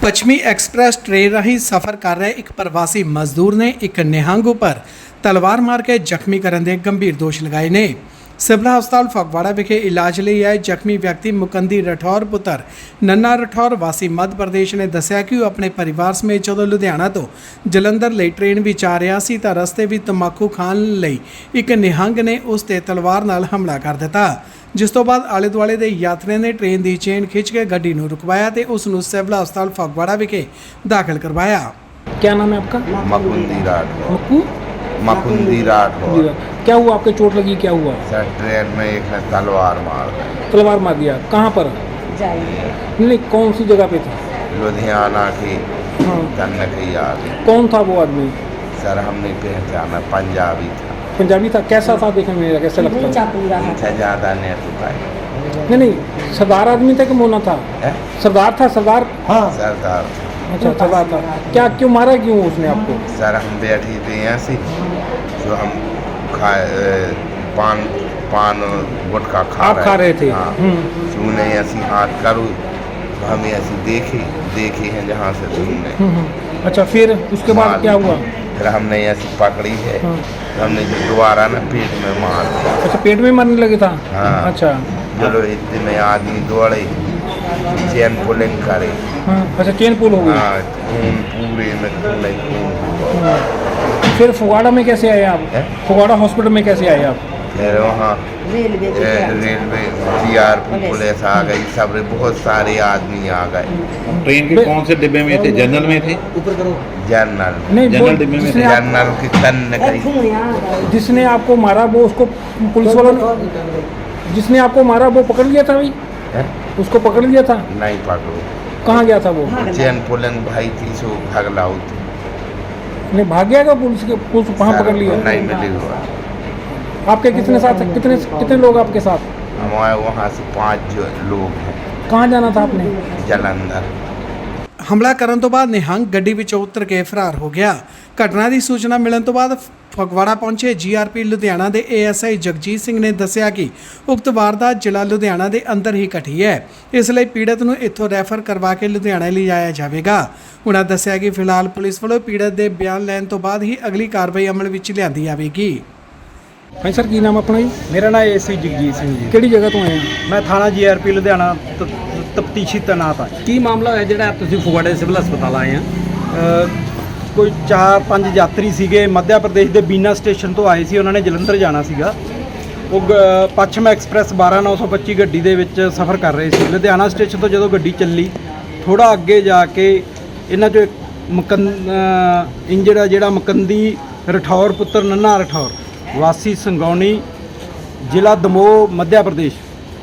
ਪੱਛਮੀ express train ਰਾਹੀਂ ਸਫ਼ਰ ਕਰ ਰਹੇ ਇੱਕ ਪ੍ਰਵਾਸੀ ਮਜ਼ਦੂਰ ਨੇ ਇੱਕ ਨਿਹੰਗ ਉੱਪਰ ਤਲਵਾਰ ਮਾਰ ਕੇ ਜ਼ਖਮੀ ਕਰਨ ਦੇ ਗੰਭੀਰ ਦੋਸ਼ ਲਗਾਏ ਨੇ। ਸਿਵਲ ਹਸਪਤਾਲ ਫਗਵਾੜਾ ਵਿਖੇ ਇਲਾਜ ਲਈ ਆਏ ਜ਼ਖਮੀ ਵਿਅਕਤੀ ਮੁਕੰਦੀ ਰਠੌਰ ਪੁੱਤਰ ਨੰਨਾ ਰਠੌਰ ਵਾਸੀ ਮੱਧ ਪ੍ਰਦੇਸ਼ ਨੇ ਦੱਸਿਆ ਕਿ ਉਹ ਆਪਣੇ ਪਰਿਵਾਰ ਸਮੇਤ ਜਦੋਂ ਲੁਧਿਆਣਾ ਤੋਂ ਜਲੰਧਰ ਲਈ ਟ੍ਰੇਨ ਵਿੱਚ ਆ ਰਿਹਾ ਸੀ ਤਾਂ ਰਸਤੇ ਵਿੱਚ ਤੰਬਾਕੂ ਖਾਣ ਲਈ ਇੱਕ ਨਿਹੰਗ ਨੇ ਉਸ ਤੇ ਤਲਵਾਰ ਨਾਲ ਹਮਲਾ ਕਰ ਦਿੱਤਾ, जिस तो बाद आले दुआले के यात्रियों ने ट्रेन की चेन खिंच के गड्डी नूं रुकवाया तो उसनूं सिविल हस्पताल फगवाड़ा विखे दाखिल करवाया। क्या नाम है आपका? मकुंदी राठौर। मक्कू? मकुंदी राठौर। क्या हुआ, आपके चोट लगी, क्या हुआ? सर ट्रेन में एक ने तलवार मार दी। तलवार मार दिया, कहाँ पर? नहीं, कौन सी जगह पे था? लुधियाना की हाँ। कन्नकी आगे। कौन था वो आदमी? सर हमने पहचाना, पंजाबी था। पंजाबी था, कैसा था देखने में, कैसा लगता है? अच्छा ज़्यादा नहीं टुकाई। नहीं, सरदार आदमी था कि मोना था? सरदार था, सरदार। हाँ सरदार। अच्छा, सरदार था। क्या, क्यों मारा, क्यों उसने आपको? सर हम बैठी थी ऐसी जो हम पान पान गुटखा खा रहे थे। हाँ। सुने ऐसी हाथ करूँ हमें ऐसी देखी है जहाँ से सुनने। अच्छा, फिर उसके बाद क्या हुआ? फिर हमने ऐसी पकड़ी है। हाँ। हमने दोबारा ना पेट में मार दिया। अच्छा, पेट में मारने लगे था? हाँ। अच्छा, चलो इतने आदमी दौड़े, चैन पुलिंग करे। हाँ। अच्छा, चेन पुल हो गई। हाँ, खून पूरे में खून। हाँ। फिर फगवाड़ा में कैसे आए आप? फगवाड़ा हॉस्पिटल में कैसे आए आप? फिर वहाँ रेलवे सीआरपी पुलिस आ गई, सब बहुत सारे आदमी आ गए। ट्रेन के कौन से डिब्बे में थे? जनरल में थे? जनरल नहीं, जनरल डिब्बे में थे। जनरल की कन्नकी। जिसने आपको मारा वो, उसको पुलिस वालों ने, जिसने आपको मारा वो पकड़ लिया था भाई? उसको पकड़ लिया था? नहीं पकड़ो। कहाँ गया था वो? चैन पुलिंग भाई थी सो भगलाऊ थी। नहीं, भाग गया क्या पुलिस के? पुलिस वहाँ पकड़ लिया? नहीं मिली हुआ। आपके कितने साथ, कितने लोग आपके साथ? हमारे वहाँ से 5 लोग हैं। कहाँ जाना था आपने? जलंधर। हमला ਕਰਨ ਤੋਂ ਬਾਅਦ ਨਿਹੰਗ ਗੱਡੀ ਵਿੱਚੋਂ ਉਤਰ ਕੇ ਫਰਾਰ ਹੋ ਗਿਆ। ਘਟਨਾ ਦੀ ਸੂਚਨਾ ਮਿਲਣ ਤੋਂ ਬਾਅਦ ਫਗਵਾੜਾ ਪਹੁੰਚੇ ਜੀਆਰਪੀ ਲੁਧਿਆਣਾ ਦੇ ਏਐਸਆਈ ਜਗਜੀਤ ਸਿੰਘ ਨੇ ਦੱਸਿਆ ਕਿ ਉਕਤ ਵਾਰਦਾਤ ਜ਼ਿਲ੍ਹਾ ਲੁਧਿਆਣਾ ਦੇ ਅੰਦਰ ਹੀ ਘਟੀ ਹੈ, ਇਸ ਲਈ ਪੀੜਤ ਨੂੰ ਇੱਥੋਂ ਰੈਫਰ ਕਰਵਾ ਕੇ ਲੁਧਿਆਣਾ ਲਿਜਾਇਆ ਜਾਵੇਗਾ। ਉਹਨਾਂ ਦੱਸਿਆ ਕਿ ਫਿਲਹਾਲ ਪੁਲਿਸ ਵੱਲੋਂ ਪੀੜਤ ਦੇ ਬਿਆਨ ਲੈਣ ਤੋਂ ਬਾਅਦ ਹੀ ਅਗਲੀ ਕਾਰਵਾਈ ਅਮਲ ਵਿੱਚ ਲਿਆਂਦੀ ਜਾਵੇਗੀ। ਹਾਂਜੀ ਸਰ, ਕੀ ਨਾਮ ਆਪਣਾ ਜੀ? ਮੇਰਾ ਨਾਮ ਏਸੀ ਜਗਜੀਤ ਸਿੰਘ ਜੀ। ਕਿਹੜੀ ਜਗ੍ਹਾ ਤੋਂ ਆਏ ਆ? ਮੈਂ ਥਾਣਾ ਜੀਆਰਪੀ ਲੁਧਿਆਣਾ ਤਫਤੀਸ਼ੀ ਤੈਨਾਤ ਹਾਂ। ਕੀ ਮਾਮਲਾ ਹੈ ਜਿਹੜਾ ਤੁਸੀਂ ਫਗਵਾੜੇ ਸਿਵਲ ਹਸਪਤਾਲ ਆਏ ਆ? ਕੋਈ 4-5 ਯਾਤਰੀ ਸੀਗੇ, ਮੱਧ ਪ੍ਰਦੇਸ਼ ਦੇ ਬੀਨਾ ਸਟੇਸ਼ਨ ਤੋਂ ਆਏ ਸੀ। ਉਹਨਾਂ ਨੇ ਜਲੰਧਰ ਜਾਣਾ ਸੀਗਾ। ਉਹ ਪੱਛਮ ਐਕਸਪ੍ਰੈਸ 12925 ਗੱਡੀ ਦੇ ਵਿੱਚ ਸਫ਼ਰ ਕਰ ਰਹੇ ਸੀ। ਲੁਧਿਆਣਾ ਸਟੇਸ਼ਨ ਤੋਂ ਜਦੋਂ ਗੱਡੀ ਚੱਲੀ, ਥੋੜਾ ਅੱਗੇ ਜਾ ਕੇ ਇਹਨਾਂ 'ਚੋਂ ਇੰਜਰਡ ਜਿਹੜਾ ਮੁਕੰਦੀ ਰਠੌਰ ਪੁੱਤਰ ਨੰਨਾ ਰਠੌਰ ਵਾਸੀ ਸੰਗੌਣੀ ਜ਼ਿਲ੍ਹਾ ਦਮੋਹ ਮੱਧ ਪ੍ਰਦੇਸ਼,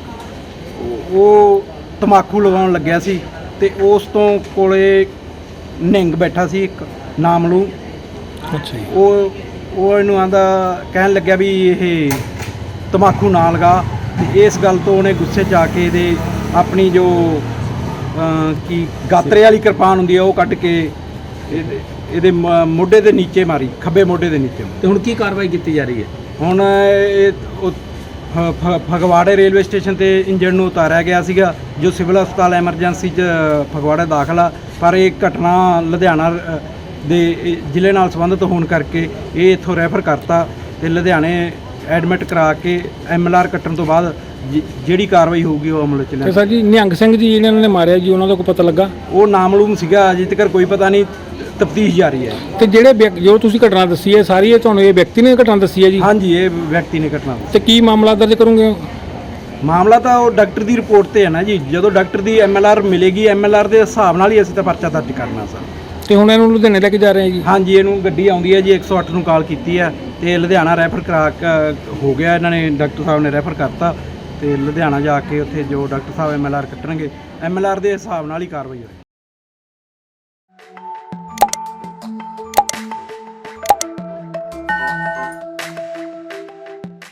ਉਹ ਤੰਬਾਕੂ ਲਗਾਉਣ ਲੱਗਿਆ ਸੀ ਤੇ ਉਸ ਤੋਂ ਕੋਲੇ ਨਿਹੰਗ ਬੈਠਾ ਸੀ ਇੱਕ ਨਾਮਲੂ। ਅੱਛਾ ਜੀ। ਉਹ ਇਹਨੂੰ ਆਂਦਾ ਕਹਿਣ ਲੱਗਿਆ ਵੀ ਇਹ ਤੰਬਾਕੂ ਨਾ ਲਗਾ, ਤੇ ਇਸ ਗੱਲ ਤੋਂ ਉਹਨੇ ਗੁੱਸੇ 'ਚ ਆ ਕੇ ਇਹਦੇ ਆਪਣੀ ਜੋ ਕੀ ਗਾਤਰੇ ਵਾਲੀ ਕਿਰਪਾਨ ਹੁੰਦੀ ਹੈ ਉਹ ਕੱਢ ਕੇ ਇਹਦੇ ਮੋਢੇ ਦੇ ਨੀਚੇ ਮਾਰੀ, ਖੱਬੇ ਮੋਢੇ ਦੇ ਨੀਚੇ। ਤੇ ਹੁਣ ਕੀ ਕਾਰਵਾਈ ਕੀਤੀ ਜਾ ਰਹੀ ਹੈ? ਹੁਣ ਇਹ ਫਗਵਾੜੇ ਰੇਲਵੇ ਸਟੇਸ਼ਨ ਤੇ ਇੰਜਣ ਨੂੰ ਉਤਾਰਿਆ ਗਿਆ ਸੀਗਾ, ਜੋ ਸਿਵਲ ਹਸਪਤਾਲ ਐਮਰਜੈਂਸੀ 'ਚ ਫਗਵਾੜਾ ਦਾਖਲ ਆ। ਪਰ ਇਹ ਘਟਨਾ ਲੁਧਿਆਣਾ ਦੇ ਜ਼ਿਲ੍ਹੇ ਨਾਲ ਸੰਬੰਧਿਤ ਹੋਣ ਕਰਕੇ ਇਹ ਇੱਥੋਂ ਰੈਫਰ ਕਰਤਾ ਤੇ ਲੁਧਿਆਣੇ ਐਡਮਿਟ ਕਰਾ ਕੇ ਐਮਐਲਆਰ ਕੱਟਣ ਤੋਂ ਬਾਅਦ ਜਿਹੜੀ ਕਾਰਵਾਈ ਹੋਊਗੀ ਉਹ ਅਮਲ 'ਚ ਲਿਆ। ਸਰ ਜੀ, ਨਿਹੰਗ ਸਿੰਘ ਜੀ ਜਿਹਨਾਂ ਨੇ ਮਾਰਿਆ ਜੀ, ਉਹਨਾਂ ਦਾ ਕੋਈ ਪਤਾ ਲੱਗਾ? ਉਹ ਨਾਮਲੂਮ ਸੀਗਾ, ਅਜੇ ਤੱਕ ਕੋਈ ਪਤਾ ਨਹੀਂ, ਤਫਤੀਸ਼ ਜਾਰੀ ਹੈ। ਤੇ ਜਿਹੜੇ ਜੋ ਤੁਸੀਂ ਘਟਨਾ ਦੱਸੀ ਹੈ ਸਾਰੀ, ਇਹ ਤੁਹਾਨੂੰ ਇਹ ਵਿਅਕਤੀ ਨੇ ਘਟਨਾ ਦੱਸੀ ਹੈ ਜੀ? ਹਾਂਜੀ, ਇਹ ਵਿਅਕਤੀ ਨੇ ਘਟਨਾ। ਤੇ ਕੀ ਮਾਮਲਾ ਦਰਜ ਕਰੋਗੇ? ਮਾਮਲਾ ਤਾਂ ਉਹ ਡਾਕਟਰ ਦੀ ਰਿਪੋਰਟ ਤੇ ਹੈ ਨਾ ਜੀ। ਜਦੋਂ ਡਾਕਟਰ ਦੀ ਐਮਐਲਆਰ ਮਿਲੇਗੀ, ਐਮਐਲਆਰ ਦੇ ਹਿਸਾਬ ਨਾਲ ਹੀ ਅਸੀਂ ਤਾਂ ਪਰਚਾ ਦਰਜ ਕਰਨਾ ਸਰ। ਤੇ ਹੁਣ ਇਹਨੂੰ ਲੁਧਿਆਣੇ ਲੈ ਕੇ ਜਾ ਰਹੇ ਆ ਜੀ? ਹਾਂਜੀ, ਇਹਨੂੰ ਗੱਡੀ ਆਉਂਦੀ ਹੈ ਜੀ, 108 ਨੂੰ ਕਾਲ ਕੀਤੀ ਹੈ ਤੇ ਲੁਧਿਆਣਾ ਰੈਫਰ ਕਰਾ ਕੇ ਹੋ ਗਿਆ। ਇਹਨਾਂ ਨੇ, ਡਾਕਟਰ ਸਾਹਿਬ ਨੇ ਰੈਫਰ ਕਰਤਾ ਤੇ ਲੁਧਿਆਣਾ ਜਾ ਕੇ ਉੱਥੇ ਜੋ ਡਾਕਟਰ ਸਾਹਿਬ ਐਮਐਲਆਰ ਕੱਟਣਗੇ, ਐਮਐਲਆਰ ਦੇ ਹਿਸਾਬ ਨਾਲ ਹੀ ਕਾਰਵਾਈ ਹੋਈ।